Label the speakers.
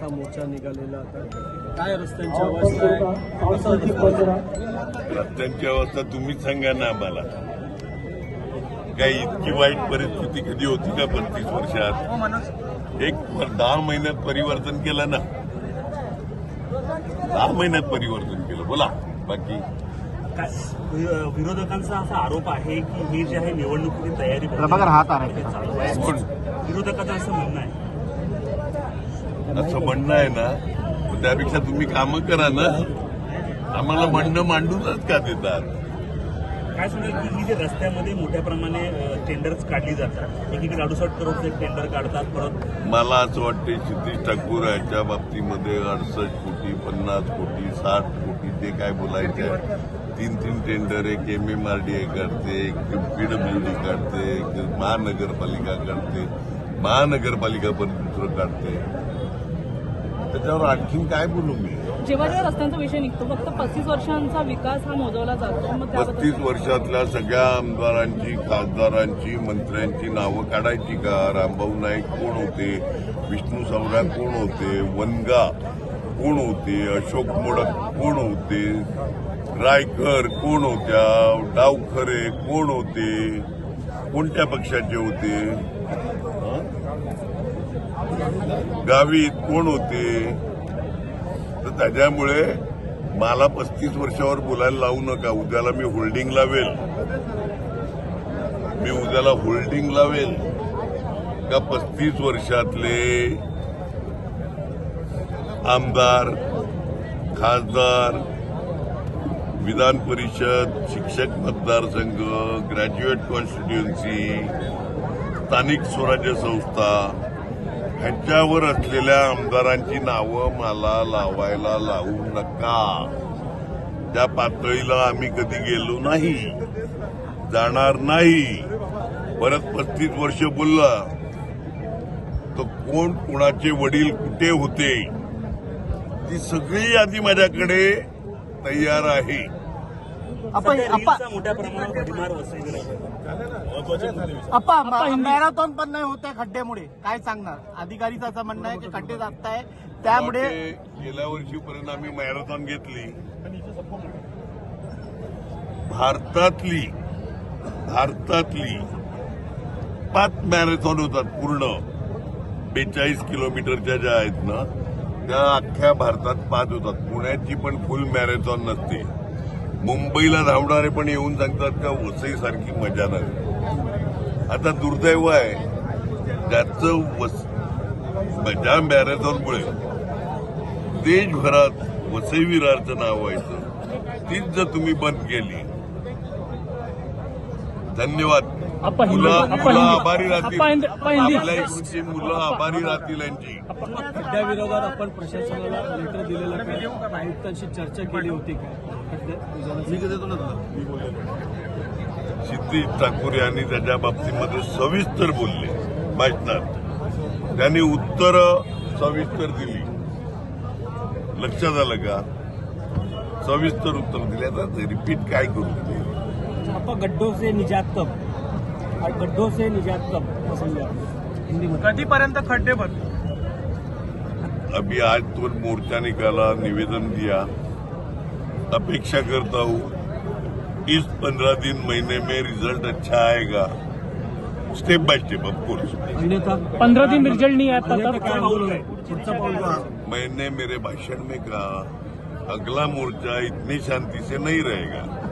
Speaker 1: असा मोर्चा निघालेला आता काय रस्त्यांची अवस्था आहे कसं दिसतं?
Speaker 2: रस्त्यांची अवस्था तुम्हीच सांगा ना आम्हाला. काही इतकी वाईट परिस्थिती कधी होती का 35 वर्षात? एक 10 महिन्यात परिवर्तन केलं ना, 10 महिन्यात परिवर्तन केलं. बोला बाकी.
Speaker 3: विरोधकांचा असा आरोप आहे की हे जे आहे निवडणुकीची तयारी
Speaker 4: प्रभाकर हात आहे
Speaker 3: चालू आहे. विरोधकांचं असं म्हणणं आहे.
Speaker 2: असं म्हणणं आहे ना, त्यापेक्षा तुम्ही कामं करा ना. आम्हाला म्हणणं मांडूनच का देतात?
Speaker 3: काय सांगाल की ही जे रस्त्यामध्ये मोठ्या प्रमाणे टेंडर्स काढली जातात, एकीकडे 68 करोडचे टेंडर काढतात, परत
Speaker 2: मला असं वाटते क्षितिज ठाकूर यांच्या बाबतीमध्ये 68 कोटी 50 कोटी 60 कोटी ते काय बोलायचे आहे. 3 टेंडर, एक MMRDA काढते, एक PWD काढते, एक महानगरपालिका काढते, महानगरपालिका पण दुसरं काढते. त्याच्यावर आणखीन काय बोलू मी?
Speaker 5: जेव्हा जेव्हा रस्त्यांचा विषय निघतो फक्त 35 वर्षांचा विकास हा मोजवला जातो. मग
Speaker 2: 35 वर्षातल्या सगळ्या आमदारांची, खासदारांची, मंत्र्यांची नावं काढायची का? रामभाऊ नाईक कोण होते? विष्णू सवरा कोण होते? वनगा कोण होते? अशोक मोडक कोण होते? रायकर कोण होत्या? डावखरे कोण होते? कोणत्या पक्षाचे होते? गावित कोण होते? तर त्याच्यामुळे मला 35 वर्षावर बोलायला लावू नका. उद्याला मी होल्डिंग लावेल का 35 वर्षातले आमदार, खासदार, विधान परिषद, शिक्षक मतदारसंघ, ग्रॅज्युएट कॉन्स्टिट्युएन्सी, स्थानिक स्वराज्य संस्था ह्यांच्यावर असलेल्या आमदारांची नावं मला लावायला लावू नका. त्या पातळीला आम्ही कधी गेलो नाही, जाणार नाही. परत 35 वर्ष बोलला तर कोण कोणाचे वडील कुठे होते ती सगळी यादी माझ्याकडे तयार आहे.
Speaker 3: मोठ्या प्रमाणावर भडीमार वसलेली आहे.
Speaker 4: मॅरेथॉन पण नाही होत आहे खड्ड्यामुळे, काय सांगणार? अधिकारीचं असं म्हणणं आहे की खड्डे जात आहे त्यामुळे.
Speaker 2: गेल्या वर्षीपर्यंत आम्ही मॅरेथॉन घेतली. भारतातली 5 मॅरेथॉन होतात पूर्ण 42 किलोमीटरच्या ज्या आहेत ना, त्या अख्ख्या भारतात 5 होतात. पुण्याची पण फुल मॅरेथॉन नसते. मुंबईला धावणारे पण येऊन सांगतात का वसई सारखी मजा नाही. आता दुर्दैव आहे त्याचं ज्या मॅरेथॉनमुळे देशभरात वसई विरारचं नाव व्हायचं, तीच जर तुम्ही बंद केली. धन्यवाद. मुलं आभारी राहतील. आपल्या इकडची मुलं आभारी राहतील यांची.
Speaker 1: खड्ड्याविरोधात आपण प्रशासनाला लेटर दिलेलं का? आयुक्तांशी चर्चा केली होती का?
Speaker 2: क्षितिज ठाकूर यांनी त्याच्या बाबतीमध्ये सविस्तर बोलले भाषणात. त्यांनी उत्तर सविस्तर दिली. लक्षात आलं का? सविस्तर उत्तर दिले. आता रिपीट काय करू ते?
Speaker 3: आपण गड्ढों से निजात कब
Speaker 4: कधीपर्यंत खड्डे भरतील?
Speaker 2: अभी आज तो मोर्चा निकाला, निवेदन दिया. अपेक्षा करता हूँ इस 15 दिन महीने में रिजल्ट अच्छा आएगा, स्टेप बाय स्टेप. ऑफकोर्स
Speaker 5: 15 दिन रिजल्ट नहीं आता
Speaker 2: मैंने मेरे भाषण में कहा अगला मोर्चा इतनी शांति से नहीं रहेगा.